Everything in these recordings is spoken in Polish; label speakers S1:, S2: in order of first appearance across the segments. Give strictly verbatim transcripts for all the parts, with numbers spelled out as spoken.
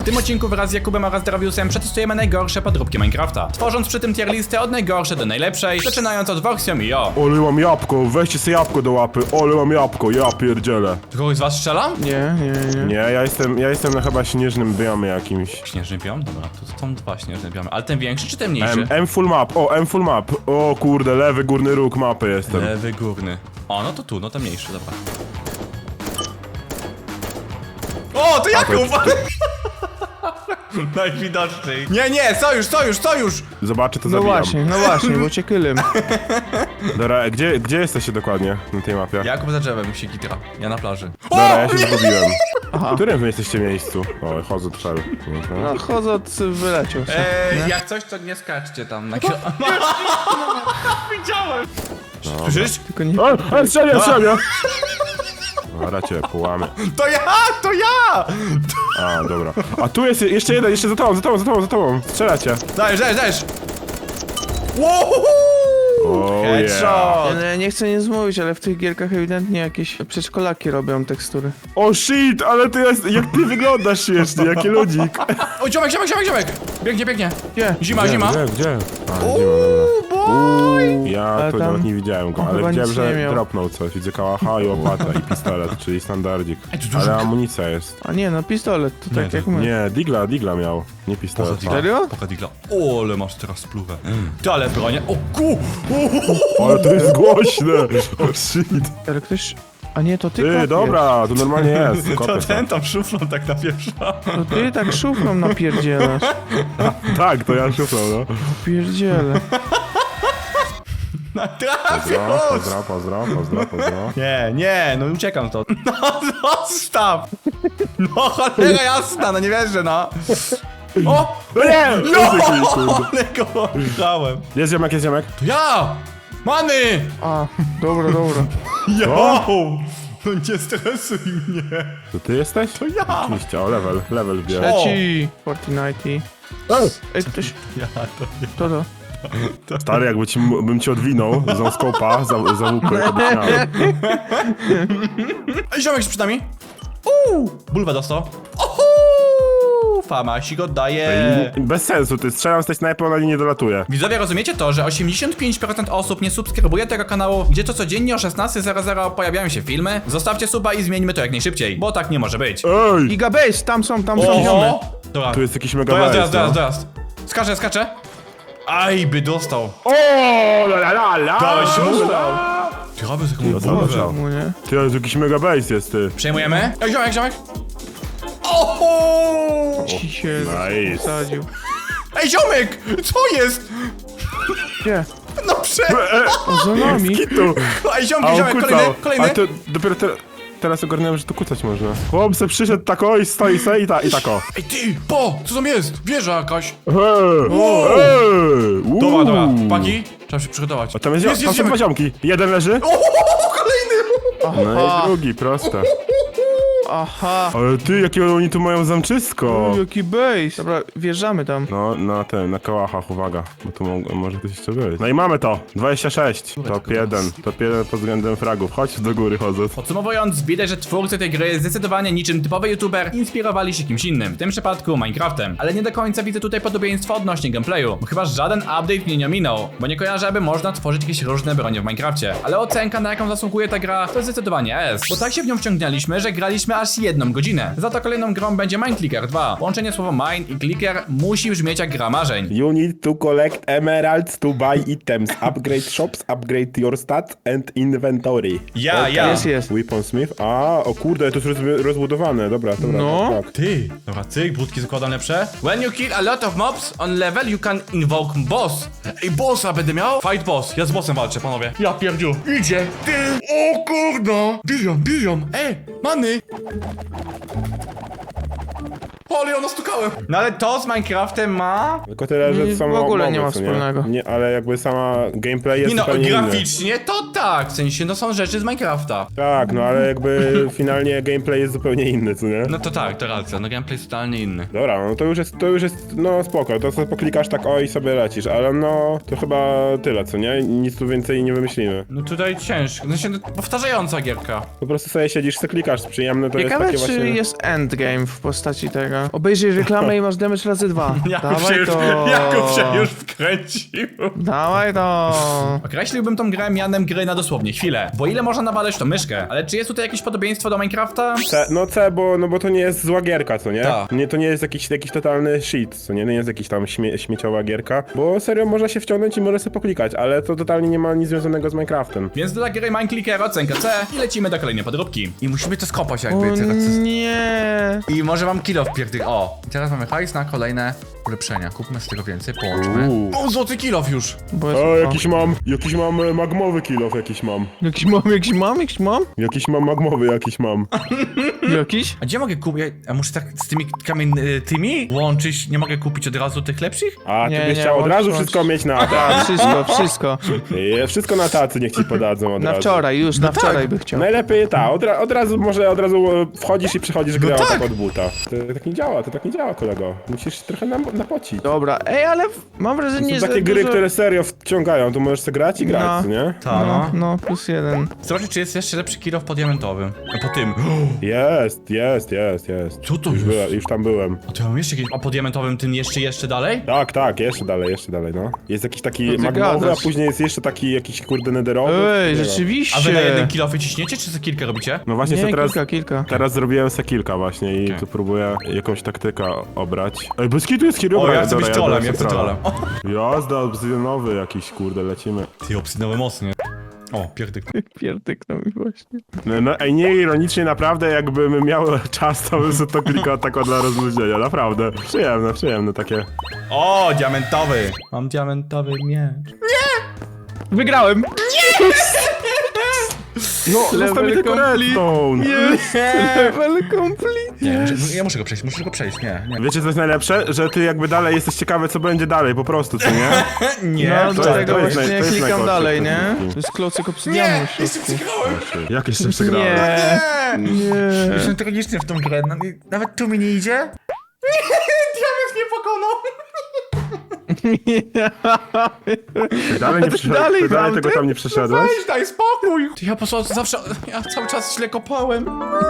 S1: tym odcinku wraz z Jakubem oraz Draviusem przetestujemy najgorsze podróbki Minecrafta, tworząc przy tym tier listę od najgorszej do najlepszej, zaczynając od Voxium i o.
S2: Ole mam jabłko, weźcie sobie jabłko do łapy. Ole mam jabłko, ja pierdzielę.
S1: Czy kogoś z was strzela?
S3: Nie, nie, nie.
S2: Nie, ja jestem, ja jestem na chyba śnieżnym biomie jakimś.
S1: Śnieżny biom? Dobra, to są dwa śnieżne biomy, ale ten większy czy ten mniejszy?
S2: M, M full map, o M full map. O kurde, lewy górny róg mapy jestem.
S1: Lewy górny. O, no to tu, no to mniejszy, dobra. O, to Jakub! Najwidoczniej. Nie, nie, sojusz, sojusz, sojusz!
S2: Zobaczę, to
S3: No
S2: zabijam.
S3: właśnie, no właśnie, bo cię kylym.
S2: Dobra, gdzie, gdzie jesteście dokładnie na tej mapie?
S1: Jakub za drzewem się gitra, ja na plaży.
S2: Dobra, ja się zgubiłem.
S3: Aha.
S2: W którym wy jesteście miejscu? O, chodzę trzel.
S3: No chodząc wyleciał sobie.
S1: Eee, jak coś, to nie skaczcie tam na kilo... Widziałem! Słyszysz?
S3: Tylko nie...
S2: O, o, strzelia, strzelia! Dobra, cię połamy.
S1: To ja, to ja!
S2: A, dobra. A tu jest jeszcze jeden, jeszcze za tobą, za tobą, za tobą, za tobą. Strzelacie.
S1: Dajesz, dajesz, dajesz! Wow!
S2: O, yeah.
S1: Headshot!
S3: Ja nie chcę nic mówić, ale w tych gierkach ewidentnie jakieś przedszkolaki robią tekstury.
S2: O shit, ale ty jest, jak ty wyglądasz śmiesznie, jaki ludzik.
S1: O, ziomek, ziomek, ziomek, ziomek! Biegnie, biegnie!
S3: Gdzie?
S1: Zima,
S2: Gdzie,
S1: zima!
S2: Gdzie, gdzie? A, zima, dobra.
S1: Boy!
S2: Ja
S3: Ale
S2: to
S3: tam-
S2: nawet nie widziałem go,
S3: on
S2: ale
S3: chyba
S2: widziałem,
S3: nic nie
S2: że
S3: miał.
S2: dropnął coś. Widzę kałacha i łopata i pistolet, czyli standardzik.
S1: Ej, to dużo-
S2: Ale amunicja jest.
S3: A nie, no pistolet, to
S1: Nie,
S3: tak
S1: to-
S3: jak my.
S2: Nie, digla, digla miał, nie pistolet.
S1: Digla?
S3: Serio?
S1: Poka digla. O, ale masz teraz spluwę. Ty, ale bronię. O, ku!
S2: Ale to jest głośne! O shit.
S3: Ale ktoś... A nie, to ty
S2: Ty,
S3: kopiesz.
S2: dobra, to normalnie jest.
S1: To
S2: Kopię
S1: ten tam szuflą tak napieprza.
S3: To ty tak szuflą napierdzielasz.
S2: Tak, to ja szuflał, no.
S3: Pierdzielę.
S2: Pozdro,
S1: Trafił!
S2: pozdro, pozdro, pozdro, pozdro.
S1: Nie, nie, no uciekam to. No, zostaw! No, cholera jasna, no nie wierzę, no. O!
S2: No nie!
S1: No!
S2: Kurde.
S1: Ale go grałem.
S2: Jest ziomek, jest ziomek.
S1: To ja! Many!
S3: A, dobra, dobra.
S1: Jo! No nie stresuj mnie.
S2: To ty jesteś?
S1: To ja!
S2: Oczywiście, o level, level bierę.
S1: O!
S3: Leci! Fortnite. Ej, ktoś...
S1: Ja to nie.
S3: To to.
S2: Stary, jakby ci, bym ci odwinął z noskopa za, za łupy, to byś miał.
S1: Ej, ziomek jest przed nami. Uuu! Bulwę dostał. Ohu! Famasik oddaje.
S2: I bez sensu, ty strzelam z tej snajpy, ona nie dolatuje.
S1: Widzowie, rozumiecie to, że osiemdziesiąt pięć procent osób nie subskrybuje tego kanału, gdzie to codziennie o szesnastej zero zero pojawiają się filmy? Zostawcie suba i zmieńmy to jak najszybciej, bo tak nie może być.
S2: Ej!
S3: Gigabase, tam są, tam są ziomy.
S1: Oho! Dobra,
S2: Tu jest jakiś mega
S1: dojazd,
S2: bajs,
S1: dojazd,
S2: no.
S1: dojazd, dojazd. Skacze, skacze. Aj, by dostał.
S2: O, la la la la!
S1: Dałeś mu?
S2: la.
S1: Ty robię z jaką
S2: Dostał,
S1: bulwę.
S2: dostał.
S3: Mu, nie?
S2: Ty, ale tu jakiś mega base jest, ty.
S1: Przejmujemy? Ej, ziomek, ziomek. Oho!
S3: Ci się
S2: Nice.
S3: wsadził.
S1: Ej, ziomek! Co jest?
S3: Gdzie?
S1: No prze...
S3: O, za nami.
S2: Tu.
S1: Ej,
S2: A
S1: ziomek,
S2: on
S1: ziomek,
S2: kucał.
S1: kolejny, kolejny.
S2: A to dopiero te, teraz ogarnąłem, że tu kucać można. Chłop se przyszedł tako i stoi se i, ta, i tako.
S1: Ej, ty, po, co tam jest? Wieża jakaś.
S2: Eee,
S1: Wow.
S2: eee, uuu.
S1: Dobra, dobra, paki, trzeba się przygotować.
S2: A tam jest,
S1: jest,
S2: tam
S1: jest
S2: są dwa
S1: ziomek.
S2: ziomki. Jeden leży,
S1: O, kolejny!
S2: no i drugi, proste.
S3: Aha.
S2: Ale ty, jakie oni tu mają zamczysko.
S3: U, jaki base. Dobra, wjeżdżamy tam.
S2: No, na ten, na kołachach, uwaga, bo tu mo może ktoś jeszcze być. No i mamy to, dwadzieścia sześć, top jeden, top jeden pod względem fragów, chodź do góry chodzę.
S1: Podsumowując, widać, że twórcy tej gry zdecydowanie niczym typowy youtuber inspirowali się kimś innym, w tym przypadku Minecraftem. Ale nie do końca widzę tutaj podobieństwa odnośnie gameplayu, bo chyba żaden update mnie nie ominął, bo nie kojarzę, aby można tworzyć jakieś różne bronie w Minecrafcie. Ale ocenka, na jaką zasługuje ta gra, to zdecydowanie S, bo tak się w nią wciągnęliśmy, że graliśmy aż jedną godzinę. Za to kolejną grą będzie Mineclicker dwa. Łączenie słowa mine i clicker musi brzmieć jak gra marzeń.
S2: You need to collect emeralds to buy items, upgrade shops, upgrade your stats and inventory.
S1: Ja, ja.
S3: Jest, jest.
S2: Weaponsmith, a, o kurde, to jest roz rozbudowane, dobra, dobra,
S3: No.
S2: tak, tak.
S1: Ty, dobra, cyk, budki zakładam lepsze. When you kill a lot of mobs on level, you can invoke boss. Ej, bossa będę miał? Fight boss. Ja z bossem walczę, panowie. Ja pierdziu. Idzie. Ty. O kurno. Bilion, bilion. Ej, many. O, ale ja nastukałem. No ale to z Minecraftem ma...
S2: Tylko tyle, że
S3: Nie,
S2: samo
S3: w ogóle
S2: mowy,
S3: nie ma
S2: co
S3: wspólnego.
S2: Nie, ale jakby sama gameplay jest
S1: Nie no,
S2: zupełnie inny.
S1: graficznie to tak, w sensie no są rzeczy z Minecrafta.
S2: Tak, no ale jakby finalnie gameplay jest zupełnie inny, co nie?
S1: No to tak, to racja, no gameplay jest totalnie inny.
S2: Dobra, no to już jest, to już jest, no spoko, to sobie poklikasz tak o i sobie lecisz, ale no, to chyba tyle, co nie? Nic tu więcej nie wymyślimy.
S1: No tutaj ciężko, no się no, powtarzająca gierka.
S2: Po prostu sobie siedzisz, sobie klikasz, przyjemne to
S3: Ciekawe,
S2: jest
S3: czy
S2: takie właśnie...
S3: jest endgame w postaci tego. Dobra. Obejrzyj reklamę i masz damage razy dwa.
S1: Jakub
S3: Dawaj
S1: się, już,
S3: to.
S1: Jakub się już wkręcił.
S3: Dawaj to.
S1: Określiłbym tą grę mianem gry na dosłownie chwilę. Bo ile można nawalać tą myszkę? Ale czy jest tutaj jakieś podobieństwo do Minecrafta?
S2: C, no C, bo, no bo to nie jest zła gierka, co nie?
S1: Tak.
S2: nie to nie jest jakiś, jakiś totalny shit, co nie? Nie jest jakiś tam śmie, śmieciowa gierka, bo serio można się wciągnąć i może sobie poklikać, ale to totalnie nie ma nic związanego z Minecraftem.
S1: Więc dla gry Mineclicker ocenka C i lecimy do kolejnej podróbki. I musimy to skopać
S3: O
S1: jakby teraz.
S3: nie.
S1: I może mam kilo wpierdych. O, i teraz mamy hajs na kolejne ulepszenia. Kupmy z tego więcej, połączmy.
S2: Uuu.
S1: O, złoty kilof już!
S3: Bo jest...
S2: O, jakiś mam, jakiś mam e, magmowy kilof, jakiś mam.
S3: Jakiś mam, jakiś mam, jakiś mam?
S2: Jakiś mam magmowy, jakiś mam.
S3: Jakiś?
S1: A gdzie mogę kupić? A muszę tak z tymi kamień y, tymi łączyć? Nie mogę kupić od razu tych lepszych?
S2: A, ty
S3: Nie,
S2: byś
S3: nie,
S2: chciał od
S3: łącz,
S2: razu
S3: łącz.
S2: wszystko mieć na
S3: Tak,
S2: tacy.
S3: wszystko, wszystko.
S2: E, Wszystko na tacy niech ci podadzą od
S3: Na
S2: razu.
S3: wczoraj, już, na
S1: tak.
S3: wczoraj by chciał.
S2: Najlepiej ta, od, ra, od razu może od razu e, wchodzisz i przechodzisz grę
S1: tak.
S2: tak od buta. To tak nie działa, to tak nie działa, kolego. Musisz trochę nam, napocić.
S3: Dobra, ej, ale w- mam
S2: To
S3: wrażenie,
S2: są
S3: że
S2: takie gry,
S3: dużo...
S2: które serio wciągają, to możesz sobie grać i grać,
S3: No.
S2: co nie?
S1: Tak.
S3: No, no, plus jeden.
S1: Zobaczcie, czy jest jeszcze lepszy kilof po diamentowym. A po tym.
S2: Jest, jest, jest, jest.
S1: Co to
S2: już
S1: jest?
S2: byłem, już tam byłem.
S1: A to ja mam jeszcze jakieś. A po diamentowym tym jeszcze, jeszcze dalej?
S2: Tak, tak, jeszcze dalej, jeszcze dalej, no. Jest jakiś taki
S3: Co ty
S2: magmowy, a
S3: gadasz?
S2: później jest jeszcze taki jakiś kurde nederowy.
S3: Ej,
S2: Nie wiem.
S3: rzeczywiście.
S1: A wy na jeden kilofy ciśniecie, czy za kilka robicie?
S2: No właśnie
S3: Nie,
S2: sobie teraz,
S3: kilka, kilka.
S2: teraz zrobiłem se kilka właśnie i
S1: Okej.
S2: tu próbuję jakąś taktykę obrać. Ej, bez kitu jest hero.
S1: O, ja chcę być trolem, ja chcę trolem. O,
S2: Jazda, obsydianowy jakiś, kurde, lecimy.
S1: ty obsydowe mocnie. O, pierdek.
S3: Pierdyknął mi właśnie.
S2: No, no ej, nie ironicznie, naprawdę jakbym miał czas, to bym sobie to klikał tako dla rozluźnienia, naprawdę. Przyjemne, przyjemne takie.
S1: O, diamentowy! Mam diamentowy miecz.
S3: Wygrałem!
S2: No, zostaw mi tylko
S3: complete.
S2: redstone.
S3: Jest! Level complete!
S1: Nie, muszę, ja muszę go przejść, muszę go przejść, nie, nie.
S2: Wiecie co jest najlepsze? Że ty jakby dalej jesteś ciekawy, co będzie dalej, po prostu, co nie?
S1: Nie,
S3: No,
S2: to
S3: do
S2: jest-
S3: tego
S2: to jest
S3: właśnie
S2: naj- to jest
S3: klikam
S2: najgorsze
S3: dalej,
S2: w
S3: nie?
S2: tym
S3: To jest klocek obsydianu w środku.
S2: Jak jeszcze przegrałem?
S3: Nie, nie.
S1: Jestem tragiczny w tą grę, no, i nawet tu mi nie idzie. Nie, diament mnie pokonał.
S2: Dalej nie przeszedłeś,
S3: Dalej
S2: dalej, dalej
S3: tam,
S2: tego
S3: ty?
S2: tam nie przeszedłeś?
S1: Weź, daj spokój. Ty, ja po prostu zawsze, ja cały czas źle kopałem.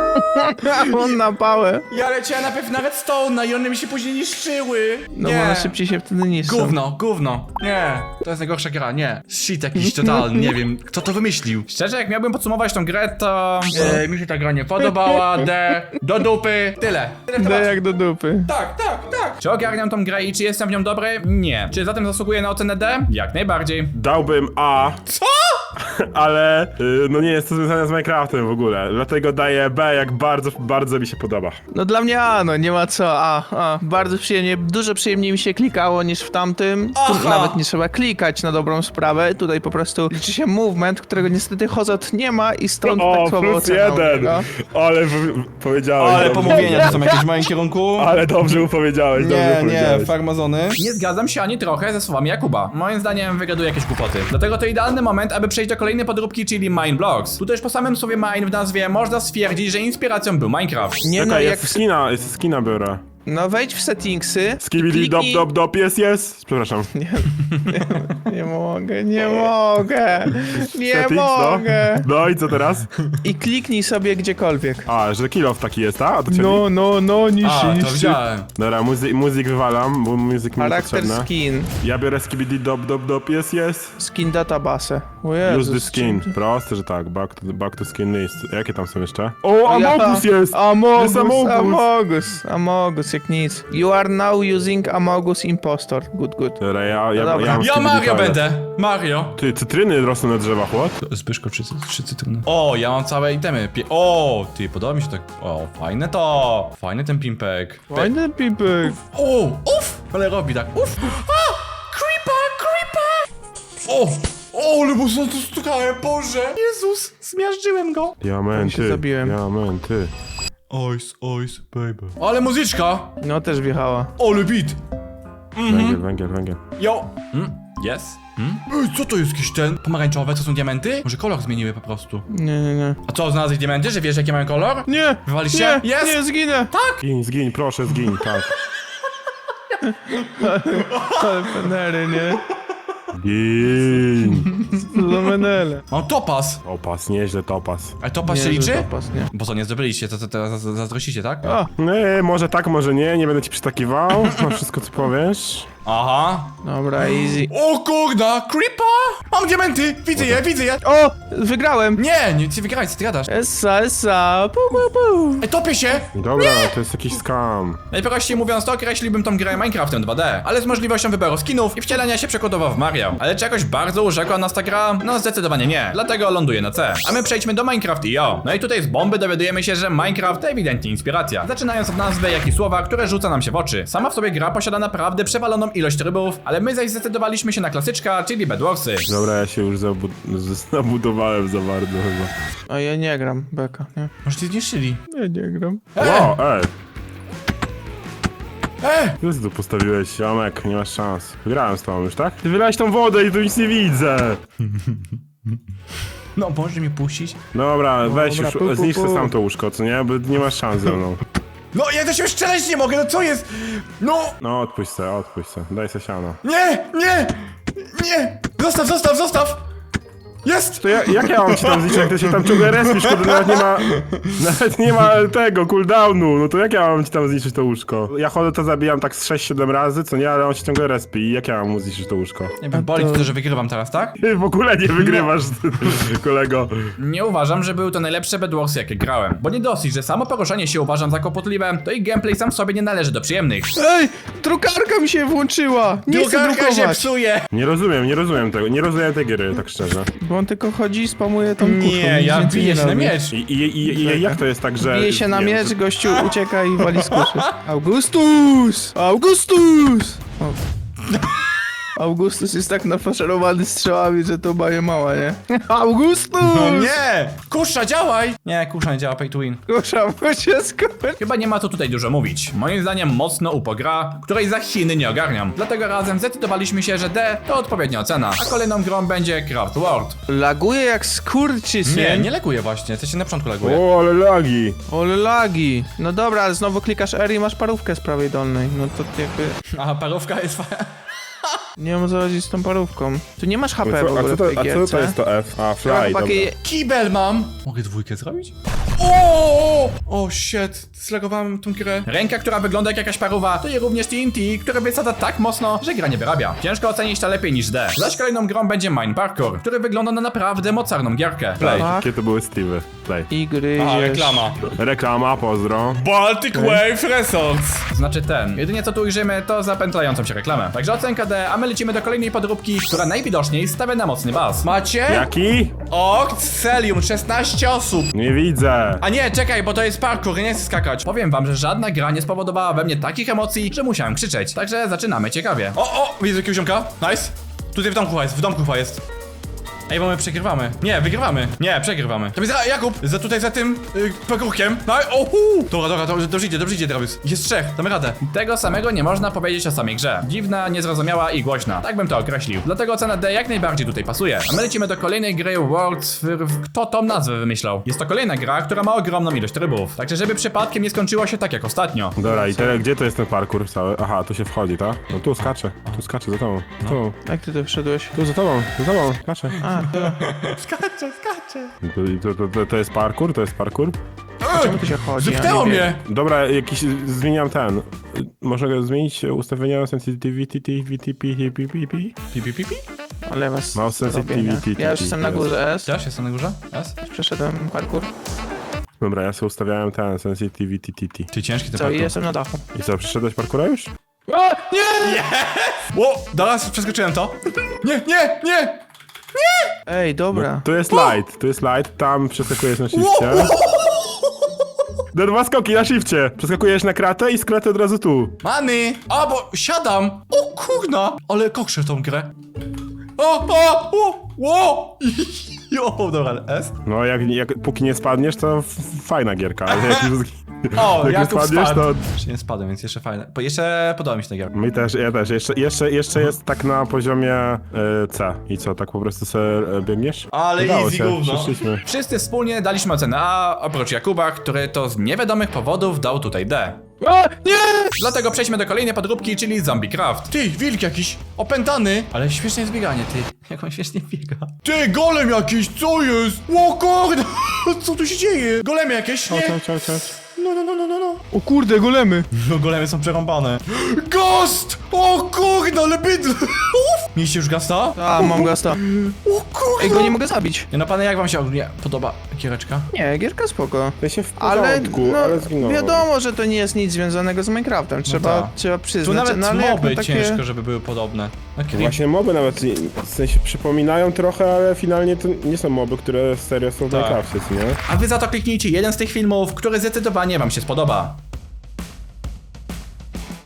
S3: On na pałę.
S1: Ja leciałem najpierw na redstone i one mi się później niszczyły.
S3: No
S1: nie.
S3: bo one szybciej się wtedy niszczą.
S1: Gówno, gówno. Nie, to jest najgorsza gra, nie. Shit jakiś totalny, nie wiem, kto to wymyślił. Szczerze, jak miałbym podsumować tą grę, to... E, mi się ta gra nie podobała, D, do dupy, tyle. Tyle w
S3: D
S1: temacie.
S3: jak do dupy.
S1: Tak, tak, tak. Czy ogarniam tą grę i czy jestem w nią dobry? Nie. Czy zatem zasługuję na ocenę D? Jak najbardziej.
S2: Dałbym A,
S1: Co?
S2: ale y, no nie jest to związane z Minecraftem w ogóle. Dlatego daję B, jak bardzo, bardzo mi się podoba.
S3: No dla mnie A, no nie ma co, A, A. Bardzo przyjemnie, dużo przyjemniej mi się klikało niż w tamtym. Tu
S1: Aha.
S3: nawet nie trzeba klikać na dobrą sprawę. Tutaj po prostu liczy się movement, którego niestety Hozot nie ma i stąd
S2: O,
S3: tak słabo
S2: plus
S3: ocena u
S2: jeden!
S3: niego.
S2: Ale w, powiedziałeś
S1: Ale
S2: dobrze.
S1: pomówienia to są jakieś w moim kierunku.
S2: Ale dobrze mu powiedziałeś, dobrze powiedziałeś.
S1: farmazony. Nie zgadzam się ani trochę ze słowami Jakuba. Moim zdaniem wygaduje jakieś głupoty. Dlatego to idealny moment, aby przejść do kolejnej podróbki, czyli Mine Blocks. Tu też po samym słowie mine w nazwie można stwierdzić, że inspiracją był Minecraft.
S3: Nie no,
S2: Czekaj,
S3: jak...
S2: jest skina, jest skina biorę.
S3: No wejdź w settingsy.
S2: Skibidi dop
S3: kliknij-
S2: dop dop jest jest. Przepraszam.
S3: Nie mogę, nie mogę. Nie
S2: Settings, no.
S3: mogę.
S2: No i co teraz?
S3: I kliknij sobie gdziekolwiek.
S2: A, że kill off taki jest, a? A to cię
S3: No, no, no, niższy,
S1: A, to
S3: niższy.
S1: widziałem.
S2: Dobra, muzy muzyk wywalam, bo muzyk mi
S3: Charakter
S2: niepotrzebny.
S3: skin.
S2: Ja biorę skibidi dop dop dop jest jest.
S3: Skin database. O
S2: Use
S3: Jezus,
S2: the skin.
S3: czym-
S2: Proste, że tak. Back to, back to skin list. Jakie tam są jeszcze? O, Amogus
S3: Ja-
S2: jest!
S3: Amogus,
S2: Jest Amogus.
S3: Amogus, Amogus, jak nic. You are now using Amogus Impostor. Good, good.
S2: Dobra, ja, ja,
S3: No dobra.
S2: ja, mam
S1: Ja
S2: skibidi
S1: Mario
S2: toilet.
S1: będę. Mario.
S2: Ty, cytryny rosną na drzewach, what?
S1: Zbyszko, trzy, trzy cytryny. O, ja mam całe itemy. Pie o, ty, podoba mi się tak. O, fajne to. Fajny ten pimpek. Pe
S3: Fajny pipek.
S1: o, uff, ale robi tak. Uff. A, creeper, creeper. O, o, ale mocno tu stukałem, Boże. Jezus, zmiażdżyłem go.
S3: Ja
S2: Diamenty,
S3: się zabiłem.
S2: diamenty.
S1: Ice, ice, baby. Ale muzyczka.
S3: No też wjechała.
S1: Ale beat.
S2: Węgiel, węgiel, węgiel.
S1: Yo. Hmm? Yes? Hmm? Ej, co to jest jakiś ten? Pomarańczowe, to są diamenty? Może kolor zmieniły po prostu.
S3: Nie, nie, nie.
S1: A co, znalazłeś diamenty, że wiesz jakie mają kolor?
S3: Nie!
S1: Wywaliście?
S3: Nie,
S1: Jest!
S3: nie, zginę!
S2: Zgiń, zgiń, proszę, zgiń, tak.
S3: Ale penery, nie?
S2: Gin.
S3: Za menele.
S1: Mam topas.
S2: Topas, nieźle topas.
S1: A topas się
S3: Nie, że
S1: liczy?
S3: topas, nie.
S1: Bo co, nie zdobyliście, to, to teraz zazdrościcie, tak?
S3: O,
S2: Nie, może tak, może nie, nie będę ci przytakiwał na wszystko co powiesz.
S1: Aha.
S3: dobra, easy.
S1: O kurda, creepa! Mam diamenty! Widzę je, widzę je!
S3: O, wygrałem.
S1: Nie, nie, ty wygrałeś, co ty gadasz?
S3: Essa, essa, pu, pu, pu.
S1: Ej, topię się!
S2: Dobra, to jest jakiś scam.
S1: Najprościej mówiąc, to określiłbym tą grę Minecraftem dwa D, ale z możliwością wyboru skinów i wcielenia się przykładowo w Mario. Ale czy jakoś bardzo urzekła nas ta gra? No zdecydowanie nie, dlatego ląduje na C. A my przejdźmy do Minecraft kropka i o. No i tutaj z bomby dowiadujemy się, że Minecraft to ewidentnie inspiracja. Zaczynając od nazwy, jak i słowa, które rzuca nam się w oczy. Sama w sobie gra posiada naprawdę przewaloną ilość trybów, ale my zaś zdecydowaliśmy się na klasyczka, czyli Bedwarsy.
S2: Dobra, ja się już zabu z- zabudowałem za bardzo chyba.
S3: A ja nie gram, beka, nie?
S1: Może cię zniszczyli?
S3: Ja nie gram.
S2: Wow, ej!
S1: Ej!
S2: Ty co tu postawiłeś, ziomek? Nie masz szans. Wygrałem z tobą już, tak? Ty wylałeś tą wodę i tu nic nie widzę!
S1: No, możesz mnie puścić?
S2: Dobra, weź
S3: dobra,
S2: już,
S3: pu, pu,
S2: zniszcz
S3: pu.
S2: sam to łóżko, co nie? Bo nie masz szans ze mną.
S1: No, ja do siebie strzelać nie mogę, no co jest? No!
S2: No, odpuść se, odpuść se. Daj se siano.
S1: Nie! Nie! Nie! Zostaw, zostaw, zostaw! Jest!
S2: To ja, jak ja mam ci tam zliczyć, jak ty się tam ciągle respisz, kurde, nawet nie ma... Nawet nie ma tego, cooldownu, no to jak ja mam ci tam zliczyć to łóżko? Ja chodzę to zabijam tak z sześć siedem razy, co nie, ale on się ciągle respi i jak ja mam mu zliczyć to łóżko?
S1: Nie wiem, boli to, że wygrywam teraz, tak?
S2: Ty w ogóle nie wygrywasz, kolego.
S1: Nie uważam, że były to najlepsze Bedwarsy, jakie grałem. Bo nie dosyć, że samo poruszanie się uważam za kłopotliwe, to i gameplay sam w sobie nie należy do przyjemnych.
S3: Ej, drukarka mi się włączyła! Nie chcę
S1: Drukarka się
S3: drukować!
S1: psuje!
S2: Nie rozumiem, nie rozumiem tego, nie rozumiem tej gry, tak szczerze.
S3: Bo on tylko chodzi i spamuje tą kuszą.
S1: Nie,
S3: nic
S1: ja
S3: więcej
S1: biję
S3: nie
S1: się na
S3: robi.
S1: miecz.
S2: I, i, i, i jak to jest tak, że...
S3: Bije się na
S2: nie wiem,
S3: miecz, gościu ucieka i wali z kuszy. Augustus! Augustus! O. Augustus jest tak nafaszerowany strzałami, że to baje mała, nie? Augustus!
S1: No nie! Kusza, działaj! Nie, kusza nie działa, pay to win.
S3: Kusza, bo się skończy.
S1: Chyba nie ma co tutaj dużo mówić. Moim zdaniem mocno upo gra, której za Chiny nie ogarniam. Dlatego razem zdecydowaliśmy się, że D to odpowiednia ocena, a kolejną grą będzie Craft World.
S3: Laguje jak skurczysyn.
S1: Nie, nie leguje właśnie, coś się na początku leguje.
S2: O, ale lagi.
S3: Ole lagi. No dobra, ale znowu klikasz R i masz parówkę z prawej dolnej. No to jakby...
S1: Aha, parówka jest fajna.
S3: Nie wiem o co chodzi z tą parówką. Tu nie masz H P w
S2: Co, a,
S3: ogóle
S2: co
S3: w tej
S2: to, a co
S3: gierce.
S2: to jest to F? A, fly, dobra.
S3: Chłopaki,
S1: Kibel mam! Mogę dwójkę zrobić? O, o shit, zlagowałem tą grę. Ręka, która wygląda jak jakaś parówa, to i również T N T, które wysadza tak mocno, że gra nie wyrabia. Ciężko ocenić to lepiej niż D. Zaś kolejną grą będzie Mine Parkour, który wygląda na naprawdę mocarną gierkę. Play.
S3: Tak.
S2: Jakie to były Steve'y? Play.
S3: i gryziesz.
S1: Aha, reklama.
S2: Reklama, pozdro.
S1: Baltic Wave Resorts. Znaczy ten. Jedynie co tu ujrzymy, to zapętlającą się reklamę. Także ocenka D, a my lecimy do kolejnej podróbki, która najwidoczniej stawia na mocny bas. Macie?
S2: Jaki?
S1: Oct Celium, szesnaście osób.
S2: Nie widzę.
S1: A nie, czekaj, bo to jest parkour, nie chcę skakać. Powiem wam, że żadna gra nie spowodowała we mnie takich emocji, że musiałem krzyczeć. Także zaczynamy ciekawie. O, o, widzę jakiegoś ziomka. Nice. Tutaj w domku chyba jest, w domku chyba jest. Ej, bo my przegrywamy. Nie, wygrywamy. Nie, przegrywamy. To jest za, Jakub, za tutaj za tym yy, parkourkiem. No, ohu! Dobra, dobra, dobrze, dobrze idzie, dobrze idzie, Travis. Jest trzech, damy radę. Tego samego nie można powiedzieć o samej grze. Dziwna, niezrozumiała i głośna. Tak bym to określił. Dlatego ocena D jak najbardziej tutaj pasuje. A my lecimy do kolejnej gry World. Kto tą nazwę wymyślał? Jest to kolejna gra, która ma ogromną ilość trybów. Także żeby przypadkiem nie skończyło się tak jak ostatnio.
S2: Dobra, i teraz gdzie to jest ten parkour cały? Aha, tu się wchodzi, tak? No tu skaczę, tu skaczę za tobą. Tu,
S3: Jak ty tu wszedłeś?
S2: tu za tobą, za tobą, skaczę.
S3: A, to...
S1: Skaczę, skaczę.
S2: To, to, to, to jest parkour? To jest parkour?
S3: Czemu tu się chodzi?
S1: Zepnęło
S3: Ja nie wiem.
S1: mnie!
S2: Dobra, jakiś, zmieniam ten. Można zmienić ustawienia sensitivity, T V T P, P P P?
S1: Pi, pi, pi, pi?
S3: Ale was
S2: Mouse sensitivity.
S3: Ja już jestem na górze S.
S1: Też jestem na górze? Yes.
S3: Przeszedłem parkour.
S2: Dobra, ja sobie ustawiałem ten sensitivity T T.
S1: Ty ciężki ten
S3: Co, i
S1: parkour.
S3: jestem na dachu.
S2: I co, przeszedłeś parkoura już?
S3: A, nie!
S1: Ło, teraz przeskoczyłem to. Nie, nie, nie!
S3: Ej, dobra.
S2: Tu jest light, tu jest light, tam przeskakujesz na shifcie. Do dwa skoki na shifcie. Przeskakujesz na kratę i z kraty od razu tu.
S1: Many! A, bo siadam! O kurna! Ale kokszę tą grę. O, o, o, o! Jo, dobra, ale S?
S2: No, jak, jak póki nie spadniesz, to f- fajna gierka, ale jak już,
S1: O,
S2: jak już
S1: Jakub
S2: spadniesz,
S1: spadł.
S2: to...
S1: Jeszcze nie spadłem, więc jeszcze fajne. Bo jeszcze podoba mi się ta gierka.
S2: Mi też, ja też. Jeszcze, jeszcze, jeszcze jest tak na poziomie y, C. I co, tak po prostu sobie y, biegniesz?
S1: Ale
S2: Udało
S1: easy
S2: się,
S1: gówno.
S2: Przyszliśmy.
S1: Wszyscy wspólnie daliśmy ocenę A, oprócz Jakuba, który to z niewiadomych powodów dał tutaj D.
S3: A, nie!
S1: Dlatego przejdźmy do kolejnej podróbki, czyli Zombie Craft.
S4: Ty, wilk jakiś, opętany.
S1: Ale śmieszne jest bieganie, ty. Jak on śmiesznie biega.
S4: Ty, golem jakiś, co jest? O kurde, co tu się dzieje? Golemy jakieś, nie?
S2: Chodź, chodź, chodź.
S4: No, no, no, no, no, no.
S3: O kurde, golemy.
S4: No, golemy są przerąbane. Ghost! O kurde, ale bydle. Uff. Mieliście już gasta?
S3: A, mam gasta.
S4: O kurde.
S3: Ej, go nie mogę zabić.
S1: Nie no, panie, jak wam się ogólnie podoba giereczka?
S3: Nie, gierka spoko.
S2: Ja się w
S3: Ale,
S2: porządku,
S3: no,
S2: ale zginąłem.
S3: wiadomo, że to nie jest nic związanego z Minecraftem. Trzeba,
S1: tak.
S3: trzeba
S1: Tu
S3: przyznać.
S1: nawet
S3: no, ale jak
S1: moby
S3: na takie...
S1: ciężko, żeby były podobne. Okay.
S2: Właśnie moby nawet nie- w sensie przypominają trochę, ale finalnie to nie są moby, które serio są w
S1: Tak.
S2: Minecrafcie, co nie?
S1: A wy za to kliknijcie jeden z tych filmów, który zdecydowanie wam się spodoba.